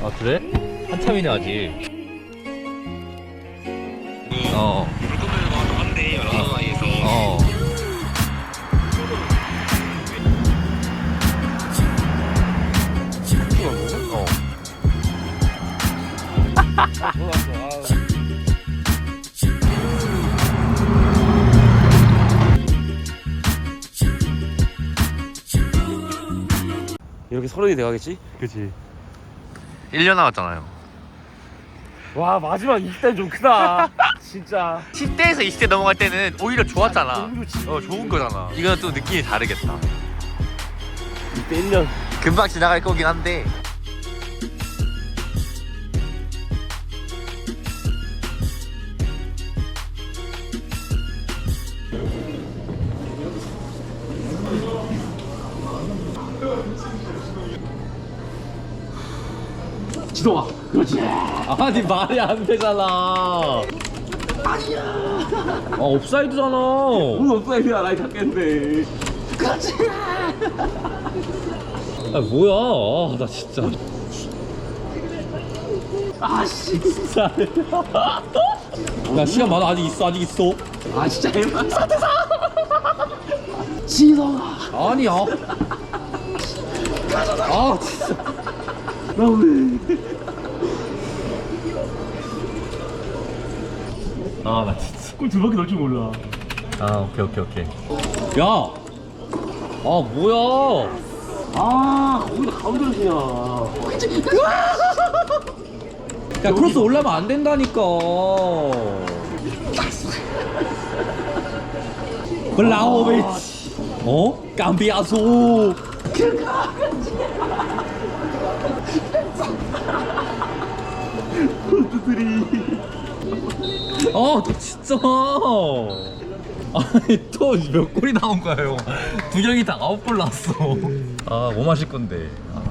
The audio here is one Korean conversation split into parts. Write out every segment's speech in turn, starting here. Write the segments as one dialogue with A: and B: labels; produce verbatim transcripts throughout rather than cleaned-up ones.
A: 아 그래? 한참이네 아직. 어.
B: 물건들과 한데 여러 나라에서.
A: 어.
B: 어.
C: 이렇게 서른이 돼가겠지?
A: 그치. 일 년 남았잖아요.
C: 와 마지막 이십 대는 좀 크다. 진짜.
A: 십 대에서 이십 대 넘어갈 때는 오히려 좋았잖아.
C: 너무 좋지.
A: 어 좋은 거잖아. 이거는 또 느낌이 다르겠다.
C: 이때 일 년.
A: 금방 지나갈 거긴 한데.
C: 지동아. 그렇지.
A: 아니 말이 안 되잖아. 아니야. 아 옵사이드잖아.
C: 오늘 없어야 나이 잡겠는데. 그렇지.
A: 아 뭐야? 아, 나 진짜.
C: 아씨.
A: 진짜. 야 시간 많아. 아직 있어. 아직 있어.
C: 아 진짜 해봐. 지동아.
A: 아니야. 아 진짜.
C: 나 왜?
A: 아 나 진짜.
C: 골 두 바퀴 넣을 줄 몰라.
A: 아 오케이 오케이 오케이. 야. 아 뭐야?
C: 아 거기다 가운데로 치냐.
A: 야 크로스 올라면 안 된다니까. 블라우비치. 어? 깜비아소. 어, 진짜. 아니 또 몇 골이 나온 거예요? 두 경기 다 아홉 골 났어. 아, 뭐 마실 건데?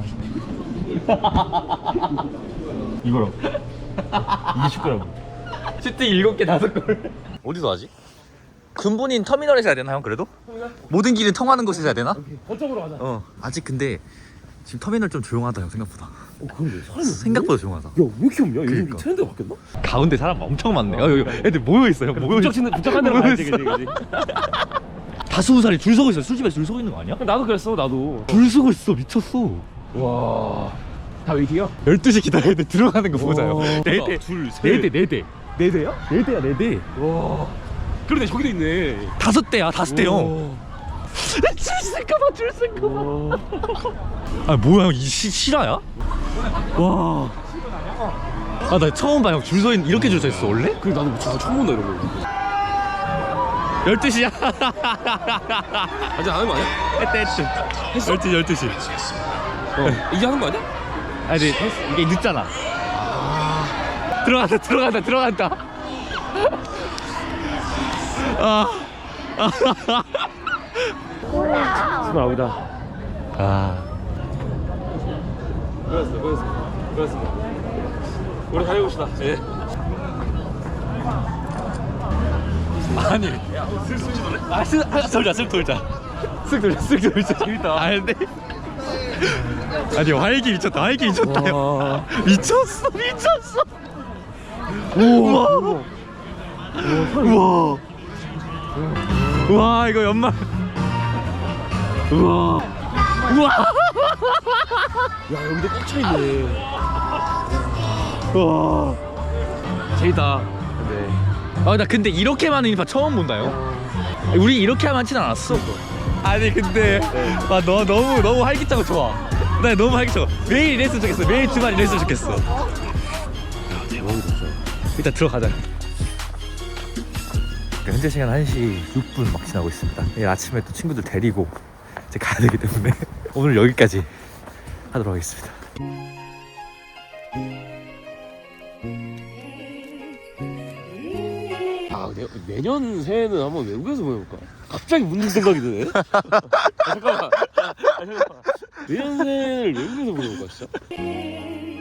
C: 이거라고. 이게 축구라고.
A: 슈팅 일곱 개 다섯 골. 어디서 하지? 근본인 터미널에서 해야 되나 형 그래도? 모든 길을 통하는 곳에서 해야 되나?
C: 거점으로 가자.
A: 어. 아직 근데 지금 터미널 좀 조용하다 형 생각보다.
C: 어 근데 사람이
A: 생각보다 조용하다.
C: 야왜 이렇게 없냐? 요즘
A: 그러니까.
C: 트렌드가 바뀌었나?
A: 가운데 사람 엄청 많네. 어, 여기 애들 모여 있어요. 모여
C: 부쩍
A: 있어.
C: 치는 부쩍한 데로 가야지, 그지, 그지.
A: 다스무 살이 줄 서고 있어. 술집에 줄 서고 있는 거 아니야?
C: 나도 그랬어, 나도.
A: 줄 서고 있어. 미쳤어.
C: 와, 다 웨이팅이야?
A: 열두 시 기다려야 돼. 들어가는 거 보자요.
C: 네 대, 둘, 셋,
A: 네 대, 네 대.
C: 네 대야?
A: 네 대야, 네 대.
C: 와, 그러네, 저기도 있네.
A: 다섯 대야, 다섯 대 형.
C: 와.
A: 줄 쓸까봐, 줄 쓸까봐.
C: 와.
A: 아 뭐야 형, 이 시, 실화야? 와. 아 나 처음 봐 형. 줄 서 있는 이렇게 줄 서 있어 원래?
C: 그래 나도 진짜 처음 본다 이런 거.
A: 열두 시야.
C: 아직 안 하는 거 아니야?
A: 했다 했어.
C: 했어?
A: 열두 시 열두 시.
C: 어. 이제 하는 거 아니야?
A: 아니 이게 늦잖아. 들어간다 들어간다 들어간다. 아.
C: 스물아홉이다.
A: 아.
C: 그랬어, 그랬어, 그랬어. 우리 달려봅시다. 예.
A: 아니. 아, 쓱, 아, 돌자, 쓱 돌자. 쓱 돌자, 쓱 돌자. 재밌다. 아, 근데. 아니, 활기 미쳤다, 활기 미쳤다. 형. 미쳤어, 미쳤어. 우와. 우와. 우와, 이거 연말. 우와. 우와.
C: 야 여기도 꽉 차있네.
A: 우와.
C: 재밌다.
A: 네. 아, 나 근데 이렇게 많은 인파 처음 본다요. 우리 이렇게 많진 않았어. 아니 근데 아, 너 너무 너무 활기차고 좋아. 나 너무 활기차고 매일 이랬으면 좋겠어. 매일 주말 이랬으면 좋겠어.
C: 야 대박이다 진짜.
A: 일단 들어가자. 현재 시간 한 시 육 분 막 지나고 있습니다. 내일 아침에 또 친구들 데리고 이제 가야 되기 때문에 오늘 여기까지 하도록 하겠습니다.
C: 아 내, 내년 새해는 한번 외국에서 보내볼까? 갑자기 문득 생각이 드네. 아, 잠깐만. 아, 잠깐만. 내년 새해를 외국에서 보내볼까 진짜?